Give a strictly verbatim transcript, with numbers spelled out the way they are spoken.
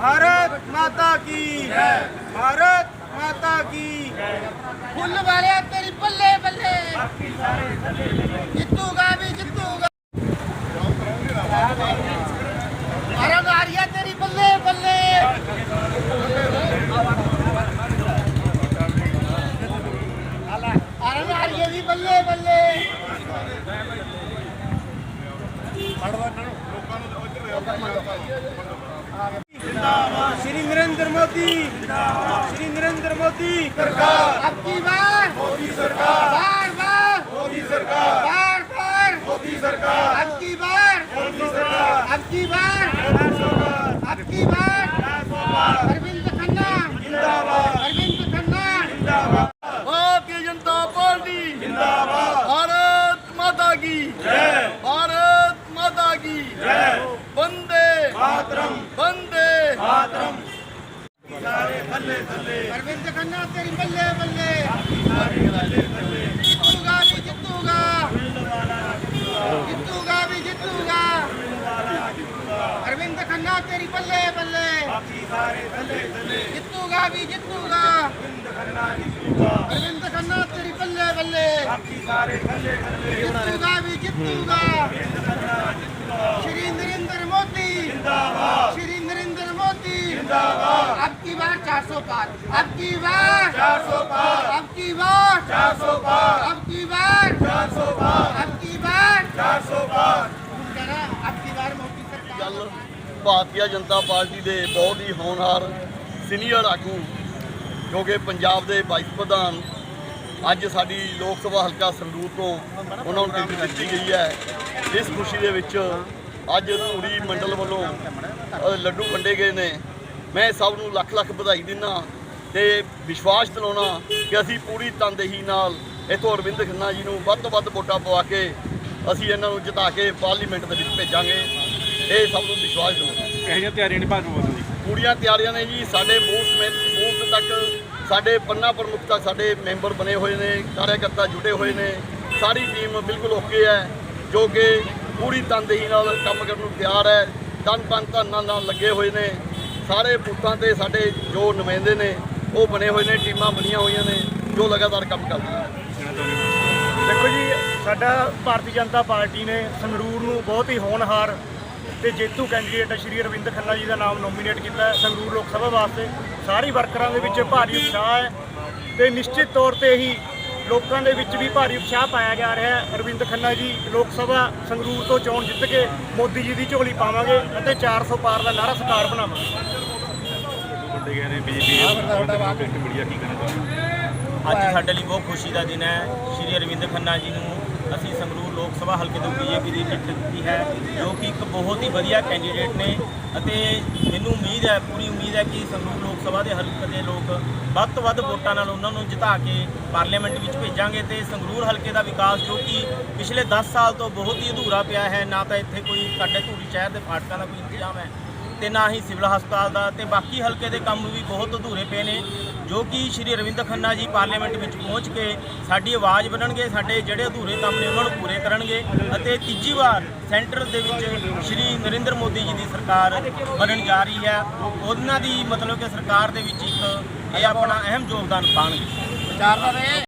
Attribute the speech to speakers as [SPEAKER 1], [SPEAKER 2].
[SPEAKER 1] भारत माता की जय, भारत माता की।
[SPEAKER 2] फुल वाले तेरी बल्ले बल्ले, जितूगा भी जितूगा। अरब आरिया तेरी बल्ले बल्ले, अरब आरिया भी बल्ले बल्ले।
[SPEAKER 1] श्री नरेंद्र मोदी, श्री नरेंद्र मोदी सरकार,
[SPEAKER 2] अब की बार
[SPEAKER 1] मोदी सरकार,
[SPEAKER 2] बार बार
[SPEAKER 1] मोदी सरकार,
[SPEAKER 2] बार बार
[SPEAKER 1] मोदी सरकार,
[SPEAKER 2] अब की बार
[SPEAKER 1] मोदी सरकार,
[SPEAKER 2] अब की बार अब की बार अरविंद खन्ना
[SPEAKER 1] जिंदाबाद,
[SPEAKER 2] अरविंद खन्ना
[SPEAKER 1] जिंदाबाद,
[SPEAKER 2] भारतीय जनता पार्टी
[SPEAKER 1] जिंदाबाद,
[SPEAKER 2] भारत माता की
[SPEAKER 1] जय,
[SPEAKER 2] भारत माता की
[SPEAKER 1] जय,
[SPEAKER 2] वंदे
[SPEAKER 1] मातरम,
[SPEAKER 2] वंदे
[SPEAKER 1] मातरम। सारे थल्ले थल्ले,
[SPEAKER 2] अरविंद खन्ना तेरी बल्ले बल्ले,
[SPEAKER 1] सारे थल्ले थल्ले,
[SPEAKER 2] जितूगा भी जितूगा, जितूगा भी जितूगा। अरविंद खन्ना तेरी बल्ले बल्ले,
[SPEAKER 1] बाकी सारे थल्ले थल्ले,
[SPEAKER 2] जितूगा भी जितूगा।
[SPEAKER 1] खन्ना जितूगा,
[SPEAKER 2] अरविंद खन्ना तेरी बल्ले बल्ले,
[SPEAKER 1] बाकी सारे थल्ले थल्ले,
[SPEAKER 2] जितूगा भी जितूगा। श्री नरेंद्र मोदी
[SPEAKER 1] जिंदाबाद,
[SPEAKER 2] श्री नरेंद्र मोदी
[SPEAKER 1] जिंदाबाद,
[SPEAKER 2] अब की बार चार सौ पार, अब की बार
[SPEAKER 1] चार सौ पार,
[SPEAKER 2] अब की बार
[SPEAKER 1] चार सौ पार,
[SPEAKER 2] अब की बार
[SPEAKER 1] चार सौ पार,
[SPEAKER 2] अब की बार
[SPEAKER 1] चार सौ पार।
[SPEAKER 2] जरा अब की बार मोदी सरकार।
[SPEAKER 3] ਗੱਲ ਭਾਰਤੀ ਜਨਤਾ ਪਾਰਟੀ ਦੇ ਬਹੁਤ ਹੀ ਹੋਣਹਾਰ ਸੀਨੀਅਰ ਆਗੂ ਜੋ ਕਿ ਪੰਜਾਬ ਦੇ ਵਾਈਸ ਪ੍ਰਧਾਨ ਅੱਜ ਸਾਡੀ ਲੋਕ ਸਭਾ ਹਲਕਾ ਸੰਗਰੂਰ ਤੋਂ ਉਹਨਾਂ ਨੂੰ ਟਿਕਟ ਦਿੱਤੀ ਗਈ ਹੈ। ਇਸ ਖੁਸ਼ੀ ਦੇ ਵਿੱਚ ਅੱਜ ਧੂਰੀ ਮੰਡਲ ਵੱਲੋਂ ਅ, ਲੱਡੂ ਵੰਡੇ ਗਏ ਨੇ। ਮੈਂ ਸਭ ਨੂੰ ਲੱਖ ਲੱਖ ਵਧਾਈ ਦਿੰਦਾ ਤੇ ਵਿਸ਼ਵਾਸ ਦਿਲਾਉਣਾ ਕਿ ਅਸੀਂ ਪੂਰੀ ਤਨਦੇਹੀ ਨਾਲ ਇੱਥੋਂ ਅਰਵਿੰਦ ਖੰਨਾ ਜੀ ਨੂੰ ਵੱਧ ਤੋਂ ਵੱਧ ਵੋਟਾਂ ਪਵਾ ਕੇ ਅਸੀਂ ਇਹਨਾਂ ਨੂੰ ਜਿਤਾ ਕੇ ਪਾਰਲੀਮੈਂਟ ਦੇ ਵਿੱਚ ਭੇਜਾਂਗੇ। ਇਹ ਸਭ ਨੂੰ ਵਿਸ਼ਵਾਸ ਦਿਲਾਉਣਾ।
[SPEAKER 4] ਇਹੋ ਜਿਹੀਆਂ ਤਿਆਰੀਆਂ ਨਹੀਂ ਭਾਜਪਾ ਵੱਲੋਂ ਜੀ?
[SPEAKER 3] ਪੂਰੀਆਂ ਤਿਆਰੀਆਂ ਨੇ ਜੀ। ਸਾਡੇ ਬੂਥ ਸਮੇਤ ਬੂਥ ਤੱਕ ਸਾਡੇ ਪੰਨਾ ਪ੍ਰਮੁੱਖ ਤੱਕ ਸਾਡੇ ਮੈਂਬਰ ਬਣੇ ਹੋਏ ਨੇ, ਕਾਰਜਕਰਤਾ ਜੁੜੇ ਹੋਏ ਨੇ। ਸਾਰੀ ਟੀਮ ਬਿਲਕੁਲ ਓਕੇ ਹੈ ਜੋ ਕਿ ਪੂਰੀ ਤਨਦੇਹੀ ਨਾਲ ਕੰਮ ਕਰਨ ਨੂੰ ਤਿਆਰ ਹੈ। ਤਨ ਤਨ ਧਨ ਨਾਲ ਲੱਗੇ ਹੋਏ ਨੇ। ਸਾਰੇ ਬੂਥਾਂ ਤੇ ਸਾਡੇ ਜੋ ਨੁਮਾਇੰਦੇ ਨੇ ਉਹ ਬਣੇ ਹੋਏ ਨੇ, ਟੀਮਾਂ ਬਣੀਆਂ ਹੋਈਆਂ ਨੇ ਜੋ ਲਗਾਤਾਰ ਕੰਮ ਕਰਦੀਆਂ ਨੇ।
[SPEAKER 5] ਦੇਖੋ ਜੀ, ਸਾਡਾ ਭਾਰਤੀ ਜਨਤਾ ਪਾਰਟੀ ਨੇ ਸੰਗਰੂਰ ਨੂੰ ਬਹੁਤ ਹੀ ਹੋਣਹਾਰ ਤੇ ਜੇਤੂ ਕੈਂਡੀਡੇਟ ਸ਼੍ਰੀ ਅਰਵਿੰਦ ਖੰਨਾ ਜੀ ਦਾ ਨਾਮ ਨੋਮੀਨੇਟ ਕੀਤਾ ਹੈ ਸੰਗਰੂਰ ਲੋਕ ਸਭਾ ਵਾਸਤੇ। ਸਾਰੇ ਵਰਕਰਾਂ ਦੇ ਵਿੱਚ ਭਾਰੀ ਉਤਸ਼ਾਹ ਹੈ ਤੇ ਨਿਸ਼ਚਿਤ ਤੌਰ ਤੇ ਹੀ ਲੋਕਾਂ ਦੇ ਵਿੱਚ ਵੀ ਭਾਰੀ ਉਤਸ਼ਾਹ ਪਾਇਆ ਜਾ ਰਿਹਾ ਹੈ। ਅਰਵਿੰਦ ਖੰਨਾ ਜੀ ਲੋਕ ਸਭਾ ਸੰਗਰੂਰ ਤੋਂ ਚੋਣ ਜਿੱਤ ਕੇ ਮੋਦੀ ਜੀ ਦੀ ਝੋਲੀ ਪਾਵਾਂਗੇ ਅਤੇ ਚਾਰ ਸੌ ਪਾਰ ਦਾ ਨਾਰਾ ਸਰਕਾਰ ਬਣਾਵਾਂਗੇ।
[SPEAKER 4] ਵੱਡੇ ਗਏ ਨੇ ਬੀਜੇਪੀ ਮੀਡੀਆ ਕੀ ਕਹਿਣਾ ਚਾਹੁੰਦੇ?
[SPEAKER 6] ਅੱਜ ਸਾਡੇ ਲਈ ਬਹੁਤ ਖੁਸ਼ੀ ਦਾ ਦਿਨ ਹੈ। ਸ਼੍ਰੀ ਅਰਵਿੰਦ ਖੰਨਾ ਜੀ ਨੂੰ ਅਸੀਂ ਸੰਗਰੂਰ ਲੋਕ ਸਭਾ ਹਲਕੇ ਤੋਂ ਬੀਜੇਪੀ ਦੀ ਟਿਕਟ ਦਿੱਤੀ ਹੈ, ਜੋ ਕਿ ਇੱਕ ਬਹੁਤ ਹੀ ਵਧੀਆ ਕੈਂਡੀਡੇਟ ਨੇ ਅਤੇ ਮੈਨੂੰ ਉਮੀਦ ਹੈ, ਪੂਰੀ ਉਮੀਦ ਹੈ ਕਿ ਸੰਗਰੂਰ ਲੋਕ ਸਭਾ ਦੇ ਹਲਕੇ ਦੇ ਲੋਕ ਵੱਧ ਤੋਂ ਵੱਧ ਵੋਟਾਂ ਨਾਲ ਉਹਨਾਂ ਨੂੰ ਜਿਤਾ ਕੇ ਪਾਰਲੀਮੈਂਟ ਵਿੱਚ ਭੇਜਾਂਗੇ ਤੇ ਸੰਗਰੂਰ ਹਲਕੇ ਦਾ ਵਿਕਾਸ ਜੋ ਕਿ ਪਿਛਲੇ ਦਸ ਸਾਲ ਤੋਂ ਬਹੁਤ ਹੀ ਅਧੂਰਾ ਪਿਆ ਹੈ। ਨਾ ਤਾਂ ਇੱਥੇ ਕੋਈ ਸਾਡੇ ਧੂਰੀ ਸ਼ਹਿਰ ਦੇ ਫਾਟਕਾਂ ਦਾ ਕੋਈ ਇੰਤਜ਼ਾਮ ਹੈ ਤੇ ਨਾ ਹੀ ਸਿਵਲ ਹਸਪਤਾਲ ਦਾ, ਤੇ ਬਾਕੀ ਹਲਕੇ ਦੇ ਕੰਮ ਵੀ ਬਹੁਤ ਅਧੂਰੇ ਪਏ ਨੇ, ਜੋ ਕਿ ਸ਼੍ਰੀ ਅਰਵਿੰਦ ਖੰਨਾ ਜੀ ਪਾਰਲੀਮੈਂਟ ਵਿੱਚ ਪਹੁੰਚ ਕੇ ਸਾਡੀ ਆਵਾਜ਼ ਬਣਨਗੇ, ਸਾਡੇ ਜਿਹੜੇ ਅਧੂਰੇ ਕੰਮ ਨੇ ਉਹਨਾਂ ਨੂੰ ਪੂਰੇ ਕਰਨਗੇ ਅਤੇ ਤੀਜੀ ਵਾਰ ਸੈਂਟਰ ਦੇ ਵਿੱਚ ਸ਼੍ਰੀ ਨਰਿੰਦਰ ਮੋਦੀ ਜੀ ਦੀ ਸਰਕਾਰ ਬਣਨ ਜਾ ਰਹੀ ਹੈ। ਉਹਨਾਂ ਦੀ ਮਤਲਬ ਕਿ ਸਰਕਾਰ ਦੇ ਵਿੱਚ ਇੱਕ ਇਹ ਆਪਣਾ ਅਹਿਮ ਯੋਗਦਾਨ ਪਾਉਣਗੇ।